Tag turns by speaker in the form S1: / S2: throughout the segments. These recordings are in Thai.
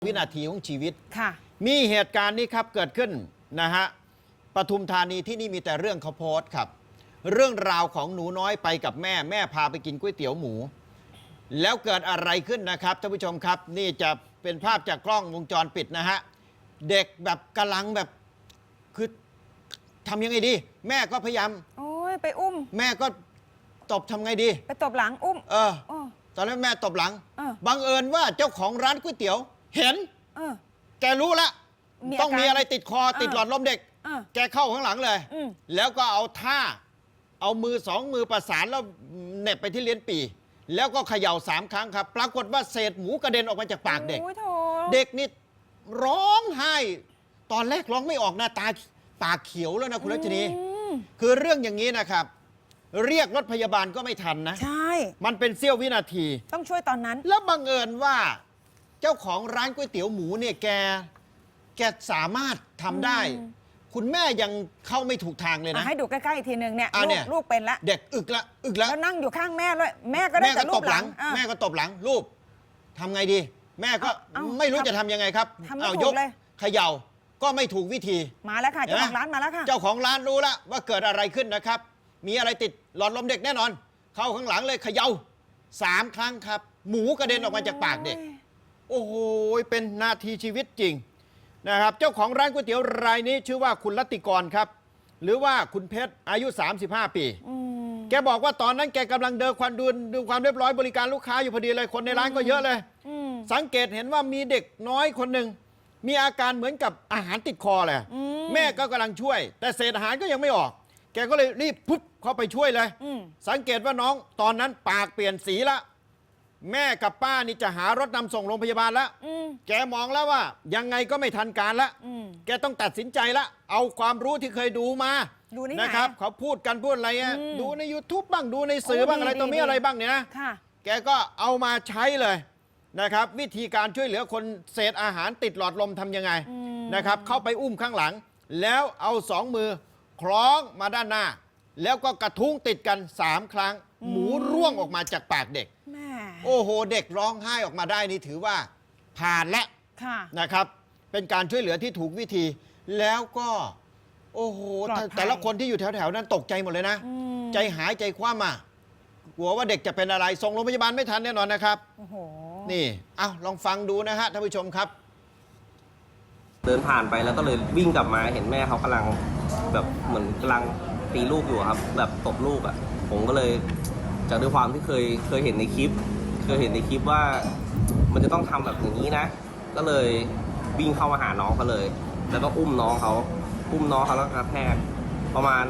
S1: วินาทีของชีวิต
S2: ค่ะ
S1: มีเหตุการณ์นี้ครับเกิดขึ้นนะฮะปทุมธานีที่นี่มีแต่เรื่องเขาโพสต์ครับเรื่องราวของหนูน้อยไปกับแม่พาไปกินก๋วยเตี๋ยวหมูแล้วเกิดอะไรขึ้นนะครับท่านผู้ชมครับนี่จะเป็นภาพจากกล้องวงจรปิดนะฮะเด็กแบบกำลังแบบคือทำยังไงดีแม่ก็พยายาม
S2: โอ้ยไปอุ้ม
S1: แม่ก็ตบทำไงดี
S2: ไปตบหลังอุ้ม
S1: ตอนนั้นแม่ตบหลัง
S2: บั
S1: งเอิญว่าเจ้าของร้านก๋วยเตี๋ยวเห็นแกรู้ละต้องมีอะไรติดคอติดหลอดลมเด็กแกเข้าข้างหลังเลยแล้วก็เอาท่าเอามือสองมือประสานแล้วเน็บไปที่เลี้ยนปี่แล้วก็เขย่า3 ครั้งครับปรากฏว่าเศษหมูกระเด็นออกมาจากปากเด็กเด็กนี่ร้องไห้ตอนแรกร้องไม่ออกหน้าตาปากเขียวแล้วนะคุณรัชนีคือเรื่องอย่างนี้นะครับเรียกรถพยาบาลก็ไม่ทันนะ
S2: ใช่
S1: มันเป็นเสี้ยววินาที
S2: ต้องช่วยตอนนั้น
S1: แล้วบังเอิญว่าเจ้าของร้านก๋วยเตี๋ยวหมูเนี่ยแกสามารถทำได้คุณแม่ยังเข้าไม่ถูกทางเลยนะ
S2: ให้ดูใกล้ๆอีกทีหนึ่งเนี่ยลูกเป็นละ
S1: เด็กอึกแล้ว
S2: นั่งอยู่ข้างแม่เลยแม่ก็ได้แต่ลูบหลัง
S1: แม่ก็ตบหลังลูบทำไงดีแม่ก็ไม่รู้จะทำยังไงครับเอายกเขย่าก็ไม่ถูกวิธี
S2: มาแล้วค่ะเจ้าของร้านมาแล้วค่ะ
S1: เจ้าของร้านรู้แล้วว่าเกิดอะไรขึ้นนะครับมีอะไรติดหลอดลมเด็กแน่นอนเข้าข้างหลังเลยเขย่า3 ครั้งครับหมูกระเด็นออกมาจากปากเด็กโอ้โหเป็นนาทีชีวิตจริงนะครับเจ้าของร้านก๋วยเตี๋ยวรายนี้ชื่อว่าคุณรัตติกรครับหรือว่าคุณเพชรอายุ35 ปีแกบอกว่าตอนนั้นแกกำลังเดินดูความเรียบร้อยบริการลูกค้าอยู่พอดีเลยคนในร้านก็เยอะเลยสังเกตเห็นว่ามีเด็กน้อยคนหนึ่งมีอาการเหมือนกับอาหารติดคอเลยแม่ก็กำลังช่วยแต่เศษอาหารก็ยังไม่ออกแกก็เลยรีบปุ๊บเข้าไปช่วยเลยสังเกตว่าน้องตอนนั้นปากเปลี่ยนสีละแม่กับป้านี่จะหารถนำส่งโรงพยาบาลแล้วแกมองแล้วว่ายังไงก็ไม่ทันการละแกต้องตัดสินใจละเอาความรู้ที่เคยดูมานะครับเขาพูดอะไรดูใน YouTube บ้างดูในสื่อบ้างอะไรตัวนี้อะไรบ้างเนี่ยนะแกก็เอามาใช้เลยนะครับวิธีการช่วยเหลือคนเศษอาหารติดหลอดลมทำยังไงนะครับเข้าไปอุ้มข้างหลังแล้วเอา2 มือคล้องมาด้านหน้าแล้วก็กระทุ้งติดกัน3 ครั้งหมูร่วงออกมาจากปากเด็กโอ้โหเด็กร้องไห้ออกมาได้นี่ถือว่าผ่านแล้วนะครับเป็นการช่วยเหลือที่ถูกวิธีแล้วก็โอ้โหแต่ละคนที่อยู่แถวๆนั้นตกใจหมดเลยนะใจหายใจคว่ำกลัวว่าเด็กจะเป็นอะไรส่งโรงพยาบาลไม่ทันแน่นอนนะครับนี่ลองฟังดูนะฮะท่านผู้ชมครับ
S3: เดินผ่านไปแล้วก็เลยวิ่งกลับมาเห็นแม่เขากำลังแบบเหมือนกำลังตีลูกอยู่ครับแบบตบลูกผมก็เลยจากด้วยความที่เคยเห็นในคลิปว่ามันจะต้องทำแบบอย่างนี้นะก็เลยวิ่งเข้ามาหาน้องเขาเลยแล้วก็อุ้มน้องเขาแล้วกระแทกประมาณ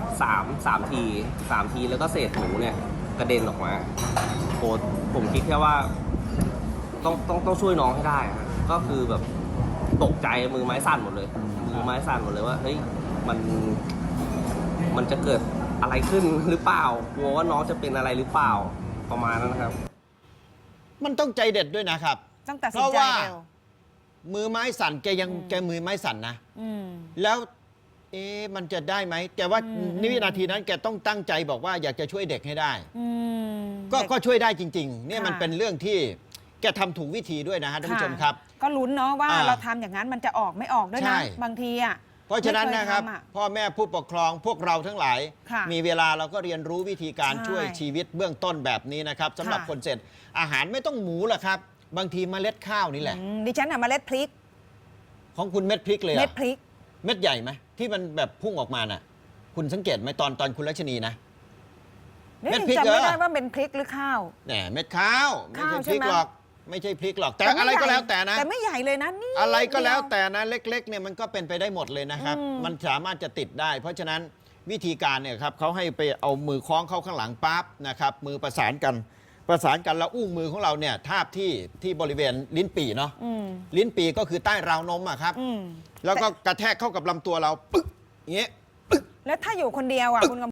S3: 3 ทีแล้วก็เศษหมูเนี่ยกระเด็นออกมาโอ้ผมคิดแค่ว่าต้องช่วยน้องให้ได้ก็คือแบบตกใจมือไม้สั่นหมดเลยว่าเฮ้ยมันจะเกิดอะไรขึ้นหรือเปล่ากลัวว่าน้องจะเป็นอะไรหรือเปล่าประมาณนั้นนะครับ
S1: มันต้องใจเด็ดด้วยนะครับ
S2: เพราะว่า
S1: มือไม้สั่นแกมือไม้สั่นนะแล้วมันจะได้ไหมแต่ว่าในวินาทีนั้นแกต้องตั้งใจบอกว่าอยากจะช่วยเด็กให้ได้ก็ช่วยได้จริงๆเนี่ยมันเป็นเรื่องที่แกทำถูกวิธีด้วยนะฮะท่านผู้ชมครับ
S2: ก็ลุ้นเนาะว่าเราทำอย่างนั้นมันจะออกไม่ออกด้วยนะบางที
S1: เพราะฉะนั้นนะครับพ่อแม่ผู้ปกครองพวกเราทั้งหลายมีเวลาเราก็เรียนรู้วิธีการช่วยชีวิตเบื้องต้นแบบนี้นะครับสำหรับคนเสร็จอาหารไม่ต้องหมูหรอกครับบางทีเมล็ดข้าวนี่แหละ
S2: ดิฉันเมล็ดพริก
S1: ของคุณเม็ดพริกเลย
S2: เม็ดพริก
S1: เม็ดใหญ่ไหมที่มันแบบพุ่งออกมาน่ะคุณสังเกตไหมตอนคุณรัชนีนะ
S2: เม็ดพริกจำไม่ได้ว่าเป็นพริกหรือข้าว
S1: เนี่ยเม็ดข้าวไม่ใช่พริกหรอกไม่ใช่พริกหรอกแต่อะไรก็แล้วแต่นะ
S2: แต่ไม่ใหญ่เลยนะนี่
S1: อะไรก็แล้วแต่นะเล็กๆเนี่ยมันก็เป็นไปได้หมดเลยนะครับมันสามารถจะติดได้เพราะฉะนั้นวิธีการเนี่ยครับเขาให้ไปเอามือคล้องเข้าข้างหลังปั๊บนะครับมือประสานกันแล้วอุ้งมือของเราเนี่ยทาบที่บริเวณลิ้นปี่เนาะลิ้นปี่ก็คือใต้ราวนมครับแล้วก็กระแทกเข้ากับลำตัวเราปึ๊กอย่างเงี้ย
S2: แล้วถ้าอยู่คนเดียวคุณ